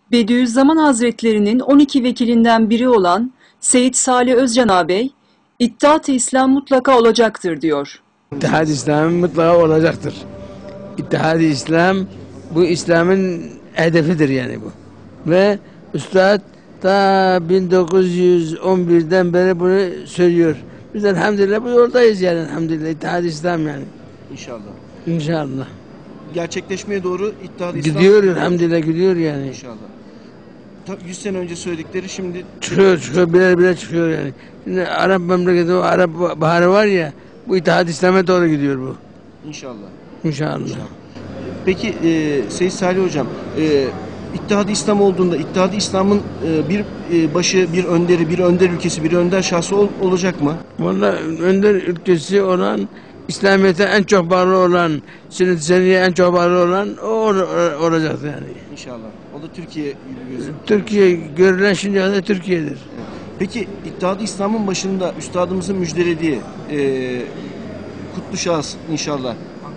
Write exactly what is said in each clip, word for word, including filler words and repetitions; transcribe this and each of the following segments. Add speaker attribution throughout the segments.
Speaker 1: Bediüzzaman Hazretlerinin on iki vekilinden biri olan Seyyid Salih Özcan ağabey, İttihat-ı İslam mutlaka olacaktır diyor.
Speaker 2: İttihad-ı İslam mutlaka olacaktır. İttihad-ı İslam, bu İslam'ın hedefidir yani bu. Ve Üstad ta bin dokuz yüz on birden beri bunu söylüyor. Biz elhamdülillah bu yoldayız yani elhamdülillah. İttihad-ı İslam yani.
Speaker 3: İnşallah.
Speaker 2: İnşallah.
Speaker 3: Gerçekleşmeye doğru İttihad-ı İslam.
Speaker 2: Gidiyor elhamdülillah, gidiyor yani.
Speaker 3: İnşallah. yüz sene önce söyledikleri şimdi
Speaker 2: Çıkıyor, çıkıyor, birer birer çıkıyor yani. Şimdi Arap memleketi, o Arap baharı var ya, bu İttihad-ı İslam'a doğru gidiyor bu.
Speaker 3: inşallah.
Speaker 2: İnşallah.
Speaker 3: İnşallah. Peki e, Seyyid Salih Hocam, e, İttihad-ı İslam olduğunda İttihad-ı İslam'ın e, bir e, başı, bir önderi, bir önder ülkesi, bir önder şahsı ol, olacak mı?
Speaker 2: Vallahi önder ülkesi olan, İslamiyet'e en çok bağlı olan, sünnet-i seniyye en çok bağlı olan o or- olacak yani.
Speaker 3: İnşallah. O da Türkiye gibi gözüküyor.
Speaker 2: Türkiye, görülen şimdiye kadar Türkiye'dir.
Speaker 3: Peki İttihad-ı İslam'ın başında üstadımızın müjdelediği e, kutlu şahıs inşallah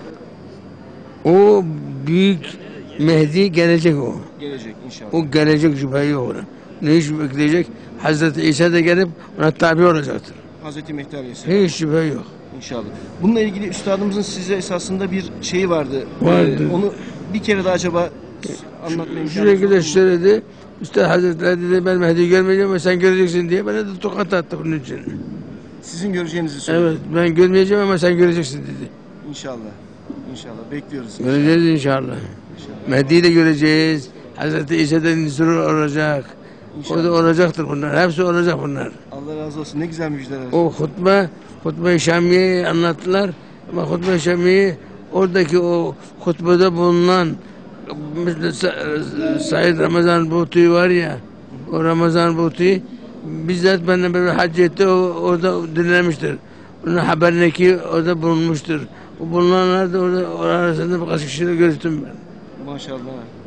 Speaker 2: O büyük Mehdi gelecek o.
Speaker 3: gelecek inşallah.
Speaker 2: O gelecek, şüphe yok ona. Ne iş bekleyecek? Hazreti İsa da gelip ona tabi olacaktır.
Speaker 3: Hazreti Mehdi Aleyhisselam.
Speaker 2: Hiç şüphe yok.
Speaker 3: İnşallah. Bununla ilgili üstadımızın size esasında bir şeyi vardı.
Speaker 2: Vardı.
Speaker 3: Ee, onu bir kere daha acaba anlatma imkanı
Speaker 2: Sürekli söyledi. Üstad Hazretleri dedi ben Mehdi'yi görmeyeceğim ama sen göreceksin diye bana da tokat attı bunun için.
Speaker 3: Sizin göreceğinizi söyledi.
Speaker 2: Evet, ben görmeyeceğim ama sen göreceksin dedi.
Speaker 3: İnşallah. İnşallah. Bekliyoruz.
Speaker 2: Göreceğiz inşallah.
Speaker 3: İnşallah.
Speaker 2: Mehdi'yi de göreceğiz. Hazreti İsa'dan zürür olacak.
Speaker 3: İnşallah.
Speaker 2: O da olacaktır bunlar. Hepsi olacak bunlar.
Speaker 3: Allah razı olsun. Ne güzel müjdeler.
Speaker 2: O hutbe, hutbe-i Şamiye'yi anlattılar. Ama hutbe-i Şamiye oradaki o hutbede bulunan mesela Sa- Said Ramazan Buhti var ya, o Ramazan Buhti bizzat benimle böyle hac etti, o orada dinlemiştir. Onun haberine ki orada bulunmuştur. O bulunanlar da orada, orada arasında birkaç kişiyle görüştüm ben.
Speaker 3: Maşallah.